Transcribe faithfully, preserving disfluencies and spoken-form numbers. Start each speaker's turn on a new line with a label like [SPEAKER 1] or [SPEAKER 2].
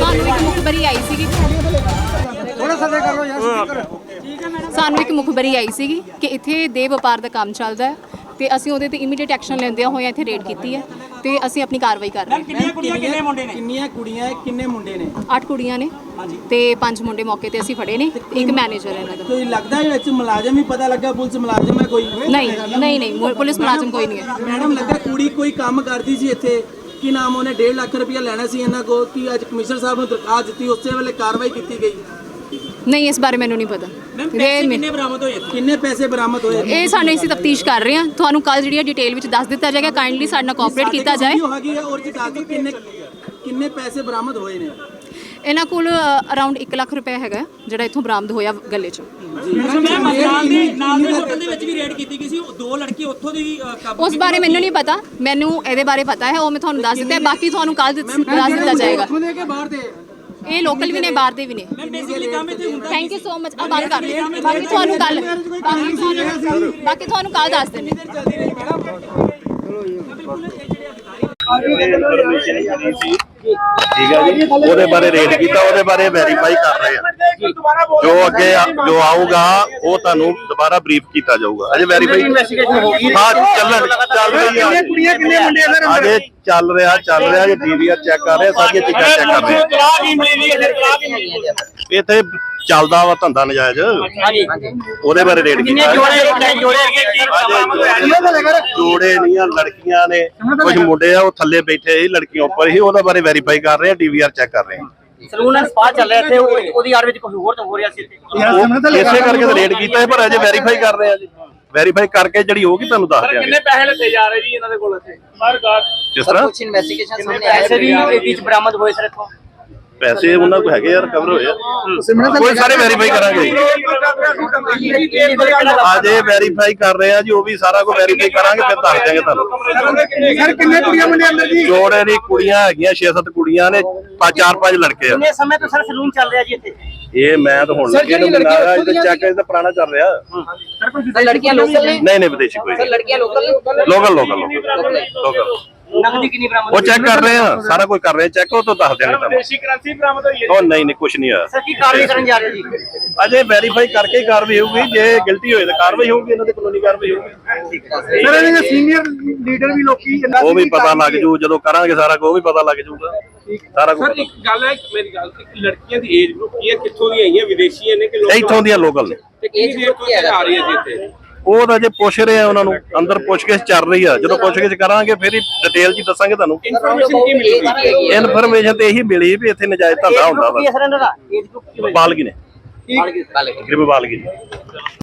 [SPEAKER 1] ਸਾਨੂੰ ਇੱਕ ਮੁਖਬਰੀ ਆਈ ਸੀਗੀ
[SPEAKER 2] ਥੋੜਾ ਥੱਲੇ ਕਰ ਲਓ ਯਾਰ ਸਪੀਕਰ।
[SPEAKER 1] ਸਾਨੂੰ ਇੱਕ ਮੁਖਬਰੀ ਆਈ ਸੀਗੀ ਕਿ ਇੱਥੇ ਦੇ ਵਪਾਰ ਦਾ ਕੰਮ ਚੱਲਦਾ ਹੈ ਤੇ ਅਸੀਂ ਉਹਦੇ ਤੇ ਇਮੀਡੀਏਟ ਐਕਸ਼ਨ ਲੈਂਦਿਆਂ ਹੋਇਆ ਇੱਥੇ ਰੇਡ ਕੀਤੀ ਹੈ ਤੇ ਅਸੀਂ ਆਪਣੀ ਕਾਰਵਾਈ ਕਰ ਰਹੇ ਹਾਂ।
[SPEAKER 3] ਕਿੰਨੀਆਂ ਕੁੜੀਆਂ ਕਿੰਨੇ ਮੁੰਡੇ ਨੇ? ਕਿੰਨੀਆਂ ਕੁੜੀਆਂ ਕਿੰਨੇ ਮੁੰਡੇ ਨੇ?
[SPEAKER 1] ਅੱਠ ਕੁੜੀਆਂ ਨੇ ਤੇ ਪੰਜ ਮੁੰਡੇ ਮੌਕੇ ਤੇ ਅਸੀਂ ਫੜੇ ਨੇ, ਇੱਕ ਮੈਨੇਜਰ ਹੈ ਇਹਨਾਂ ਦਾ।
[SPEAKER 3] ਕੋਈ ਲੱਗਦਾ ਹੈ ਵਿੱਚ ਮੁਲਾਜ਼ਮ ਹੀ ਪਤਾ ਲੱਗਾ ਪੁਲਿਸ ਮੁਲਾਜ਼ਮ ਹੈ ਕੋਈ?
[SPEAKER 1] ਨਹੀਂ ਨਹੀਂ ਨਹੀਂ ਪੁਲਿਸ ਮੁਲਾਜ਼ਮ ਕੋਈ ਨਹੀਂ ਹੈ।
[SPEAKER 3] ਮੈਡਮ ਲੱਗਾ ਕੁੜੀ ਕੋਈ ਕੰਮ ਕਰਦੀ ਸੀ ਇੱਥੇ, ਕੀ ਨਾਮ ਉਹਨੇ ਡੇਢ ਲੱਖ ਰੁਪਇਆ ਲੈਣਾ ਸੀ ਇਹਨਾਂ ਕੋਲ, ਕਿ ਅੱਜ ਕਮਿਸ਼ਨਰ ਸਾਹਿਬ ਨੂੰ ਦਰਖਾਸਤ ਦਿੱਤੀ ਉਸੇ ਵੇਲੇ ਕਾਰਵਾਈ ਕੀਤੀ ਗਈ?
[SPEAKER 1] ਨਹੀਂ ਇਸ ਬਾਰੇ ਮੈਨੂੰ ਨਹੀਂ ਪਤਾ।
[SPEAKER 3] ਕਿੰਨੇ ਬਰਾਮਦ ਹੋਏ? ਕਿੰਨੇ ਪੈਸੇ ਬਰਾਮਦ ਹੋਏ?
[SPEAKER 1] ਇਹ ਸਾਨੂੰ ਅਸੀਂ ਤਫਤੀਸ਼ ਕਰ ਰਹੇ ਹਾਂ, ਤੁਹਾਨੂੰ ਕੱਲ ਜਿਹੜੀ ਡਿਟੇਲ ਵਿੱਚ ਦੱਸ ਦਿੱਤਾ ਜਾਏਗਾ। ਕਾਈਂਡਲੀ ਸਾਡੇ ਨਾਲ ਕੋਆਪਰੇਟ ਕੀਤਾ ਜਾਏ।
[SPEAKER 3] ਔਰ ਜੀ ਦੱਸ ਦਿਓ ਕਿੰਨੇ ਕਿੰਨੇ ਪੈਸੇ ਬਰਾਮਦ ਹੋਏ ਨੇ?
[SPEAKER 1] ਇਹਨਾਂ ਕੋਲ ਅਰਾਊਂਡ ਇੱਕ ਲੱਖ ਰੁਪਏ ਹੈਗਾ ਜਿਹੜਾ ਇੱਥੋਂ ਬਰਾਮਦ ਹੋਇਆ ਗੱਲੇ 'ਚ।
[SPEAKER 3] ਨਾਲ ਦੇ ਨਾਲ ਦੇ ਹੋਟਲ ਦੇ ਵਿੱਚ ਵੀ ਰੇਡ ਕੀਤੀ ਗਈ ਸੀ, ਦੋ ਲੜਕੀ ਉੱਥੋਂ ਦੀ ਕਾਬੂ।
[SPEAKER 1] ਉਸ ਬਾਰੇ ਮੈਨੂੰ ਨਹੀਂ ਪਤਾ, ਮੈਨੂੰ ਇਹਦੇ ਬਾਰੇ ਪਤਾ ਹੈ, ਉਹ ਮੈਂ ਤੁਹਾਨੂੰ ਦੱਸ ਦਿੱਤਾ ਹੈ। ਬਾਕੀ ਤੁਹਾਨੂੰ ਕੱਲ ਦੱਸ ਦਿੱਤਾ ਜਾਏਗਾ। ਇਹ ਲੋਕਲ ਵੀ ਨੇ, ਬਾਹਰ ਦੇ ਵੀ ਨੇ। Thank you so much. ਆ ਬੰਦ ਕਰ ਲਿਓ, ਬਾਕੀ ਤੁਹਾਨੂੰ ਕੱਲ ਬਾਕੀ ਤੁਹਾਨੂੰ ਕੱਲ ਦੱਸ ਦਿੰਦੇ।
[SPEAKER 4] ਠੀਕ ਹੈ ਜੀ, ਉਹਦੇ ਬਾਰੇ ਰੇਡ ਕੀਤਾ, ਉਹਦੇ ਬਾਰੇ ਵੈਰੀਫਾਈ ਕਰ ਰਹੇ ਆ। ਜੋ ਅੱਗੇ ਜੋ ਆਊਗਾ ਉਹ ਤੁਹਾਨੂੰ ਦੁਬਾਰਾ ਬਰੀਫ ਕੀਤਾ ਜਾਊਗਾ। ਅਜੇ ਵੈਰੀਫਾਈ ਹਾਂ ਚੱਲਣ ਚੱਲ ਰਹੀ ਹੈ। ਅਜੇ ਚੱਲ ਰਿਹਾ ਚੱਲ ਰਿਹਾ ਜੇ ਡੀਵੀਆਰ ਚੈੱਕ ਕਰ ਰਹੇ, ਸਾਰੀਆਂ ਚੀਜ਼ਾਂ ਚੈੱਕ ਕਰ ਰਹੇ ਆ। ਇੱਥੇ ਚੱਲਦਾ ਵਾ ਧੰਦਾ ਨਜਾਇਜ਼, ਉਹਦੇ ਬਾਰੇ ਰੇਡ ਕੀਤਾ। ਜੋੜੇ ਨਹੀਂ ਆ, ਲੜਕੀਆਂ ਨੇ, ਕੁਝ ਮੁੰਡੇ ਆ ਉਹ ਥੱਲੇ ਬੈਠੇ ਸੀ, ਲੜਕੀਆਂ ਉੱਪਰ ਸੀ। ਉਹਦੇ ਬਾਰੇ ਵੈਰੀਫਾਈ ਕਰ ਰਹੇ ਆ, ਡੀਵੀਆਰ ਚੈੱਕ ਕਰ ਰਹੇ ਆ।
[SPEAKER 5] ਸਲੂਨ ਐਂਡ ਸਪਾ ਚੱਲ ਰਿਹਾ ਇੱਥੇ, ਉਹਦੀ ਆੜ ਵਿੱਚ ਕੋਈ ਹੋਰ ਤਾਂ ਹੋ ਰਿਹਾ ਸੀ ਇੱਥੇ।
[SPEAKER 4] ਇਸੇ ਕਰਕੇ ਤਾਂ ਰੇਡ ਕੀਤਾ ਹੈ, ਪਰ ਅਜੇ ਵੈਰੀਫਾਈ ਕਰ ਰਹੇ ਆ ਜੀ। ਵੈਰੀਫਾਈ ਕਰਕੇ ਜਿਹੜੀ ਹੋਊਗੀ ਤੁਹਾਨੂੰ ਦੱਸ ਦਿਆਂਗੇ।
[SPEAKER 5] ਕਿੰਨੇ ਪੈਸੇ ਲੱਗੇ ਜਾ ਰਹੇ ਜੀ ਇਹਨਾਂ ਦੇ ਕੋਲ ਇੱਥੇ?
[SPEAKER 4] ਕਿਸ ਤਰ੍ਹਾਂ
[SPEAKER 5] ਕੁਝ ਇਨਵੈਸਟੀਗੇਸ਼ਨ ਸਾਹਮਣੇ ਆਇਆ ਸੀ ਵੀ ਇਹ ਵਿੱਚ ਬਰਾਮਦ ਹੋਏ ਸਰ ਇੱਥੋਂ
[SPEAKER 4] ਪੈਸੇ ਉਹਨਾਂ ਕੋਲ ਹੈਗੇ ਆ, ਰਿਕਵਰ ਹੋਏ ਆ, ਕੋਈ ਸਾਰੇ ਵੈਰੀਫਾਈ ਕਰਾਂਗੇ। ਅਜੇ ਵੈਰੀਫਾਈ ਕਰ ਰਹੇ ਆ ਜੀ, ਉਹ ਵੀ ਸਾਰਾ ਕੁਝ ਵੈਰੀਫਾਈ ਕਰਾਂਗੇ, ਫਿਰ ਦੱਸ ਦਿਆਂਗੇ ਤੁਹਾਨੂੰ।
[SPEAKER 2] ਸਰ ਕਿੰਨੇ ਕੁੜੀਆਂ ਮੁੰਡੇ ਅੰਦਰ ਜੀ?
[SPEAKER 4] ਜੋੜੇ ਦੀ ਕੁੜੀਆਂ ਹੈਗੀਆਂ, ਛੇ ਸੱਤ ਕੁੜੀਆਂ ਨੇ, ਪੰਜ ਚਾਰ ਪੰਜ ਲੜਕੇ ਆ।
[SPEAKER 5] ਕਿੰਨੇ ਸਮੇਂ ਤੋਂ ਸਰ ਸਲੂਨ ਚੱਲ ਰਿਹਾ ਜੀ ਇੱਥੇ? ਇਹ
[SPEAKER 4] ਮੈਂ ਤਾਂ ਹੁਣ ਲੱਗੇ ਨੂੰ ਮਿਲਾਇਆ, ਇਹ ਤਾਂ ਚੈੱਕ ਇਹਦਾ ਪੁਰਾਣਾ ਚੱਲ ਰਿਹਾ।
[SPEAKER 5] ਸਰ ਲੜਕੀਆਂ ਲੋਕਲ ਨੇ?
[SPEAKER 4] ਨਹੀਂ ਨਹੀਂ ਵਿਦੇਸ਼ੀ ਕੋਈ।
[SPEAKER 5] ਸਰ ਲੜਕੀਆਂ ਲੋਕਲ ਨੇ?
[SPEAKER 4] ਲੋਕਲ ਲੋਕਲ ਲੋਕਲ
[SPEAKER 5] ਨਕਦੀ ਕਿੰਨੀ ਬਰਾਮਦ?
[SPEAKER 4] ਉਹ ਚੈੱਕ ਕਰ ਰਹੇ ਆ, ਸਾਰਾ ਕੁਝ ਕਰ ਰਹੇ ਆ ਚੈੱਕ, ਉਹ ਤੋਂ ਦੱਸ ਦਿਆਂਗੇ ਤੁਹਾਨੂੰ।
[SPEAKER 5] ਵਿਦੇਸ਼ੀ ਕਰੰਸੀ ਬਰਾਮਦ ਹੋਈ ਹੈ?
[SPEAKER 4] ਉਹ ਨਹੀਂ ਨਹੀਂ ਕੁਝ ਨਹੀਂ ਹੋਇਆ
[SPEAKER 5] ਸਰ ਕੀ ਕਾਰਵਾਈ ਕਰਨ ਜਾ ਰਹੇ ਜੀ?
[SPEAKER 4] ਅਜੇ ਵੈਰੀਫਾਈ ਕਰਕੇ ਹੀ ਕਾਰਵਾਈ ਹੋਊਗੀ, ਜੇ ਗਿਲਟੀ ਹੋਏ ਤਾਂ ਕਾਰਵਾਈ ਹੋਊਗੀ, ਇਹਨਾਂ ਦੇ ਕਾਨੂੰਨੀ ਕਾਰਵਾਈ ਹੋਊਗੀ।
[SPEAKER 2] ਸਰ ਇਹਨਾਂ ਦੇ ਸੀਨੀਅਰ ਲੀਡਰ ਵੀ ਲੋਕੀ
[SPEAKER 4] ਉਹ ਵੀ ਪਤਾ ਲੱਗ ਜੂ, ਜਦੋਂ ਕਰਾਂਗੇ ਸਾਰਾ ਕੁਝ ਉਹ ਵੀ ਪਤਾ ਲੱਗ ਜੂਗਾ ਸਾਰਾ ਕੁਝ।
[SPEAKER 6] ਸਰ ਇੱਕ ਗੱਲ ਹੈ, ਮੇਰੀ ਗੱਲ, ਲੜਕੀਆਂ ਦੀ ਏਜ ਗਰੁੱਪ ਕੀ ਹੈ, ਕਿੱਥੋਂ ਦੀਆਂ ਆਈਆਂ, ਵਿਦੇਸ਼ੀਆਂ ਨੇ ਕਿ ਲੋਕਲ?
[SPEAKER 4] ਇੱਥੋਂ ਦੀਆਂ ਲੋਕਲ ਨੇ।
[SPEAKER 6] ਏਜ ਗਰੁੱਪ ਕੀ ਆ ਰਹੀ ਹੈ ਜੀ ਇੱਥੇ?
[SPEAKER 4] ਉਹ ਤਾਂ ਜੇ ਪੁੱਛ ਰਹੇ ਆ ਉਹਨਾਂ ਨੂੰ, ਅੰਦਰ ਪੁੱਛਗਿੱਛ ਚੱਲ ਰਹੀ ਆ, ਜਦੋਂ ਪੁੱਛਗਿੱਛ ਕਰਾਂਗੇ ਫਿਰ ਹੀ ਡਿਟੇਲ ਜੀ ਦੱਸਾਂਗੇ ਤੁਹਾਨੂੰ।
[SPEAKER 6] ਇਨਫੋਰਮੇਸ਼ਨ ਕੀ ਮਿਲੇਗੀ?
[SPEAKER 4] ਇਨਫੋਰਮੇਸ਼ਨ ਤੇ ਇਹੀ ਮਿਲੀ ਵੀ ਇੱਥੇ ਨਜਾਇਜ਼ ਧੰਦਾ ਹੁੰਦਾ ਵਾ।
[SPEAKER 5] ਸਰ ਇਹਨਾਂ ਦਾ ਏਜ ਗਰੁੱਪ ਕੀ
[SPEAKER 4] ਬਾਲਗੀ ਨੇ,
[SPEAKER 5] ਬਾਲਗੀ
[SPEAKER 4] ਤਕਰੀਬਨ ਬਾਲਗੀ ਨੇ।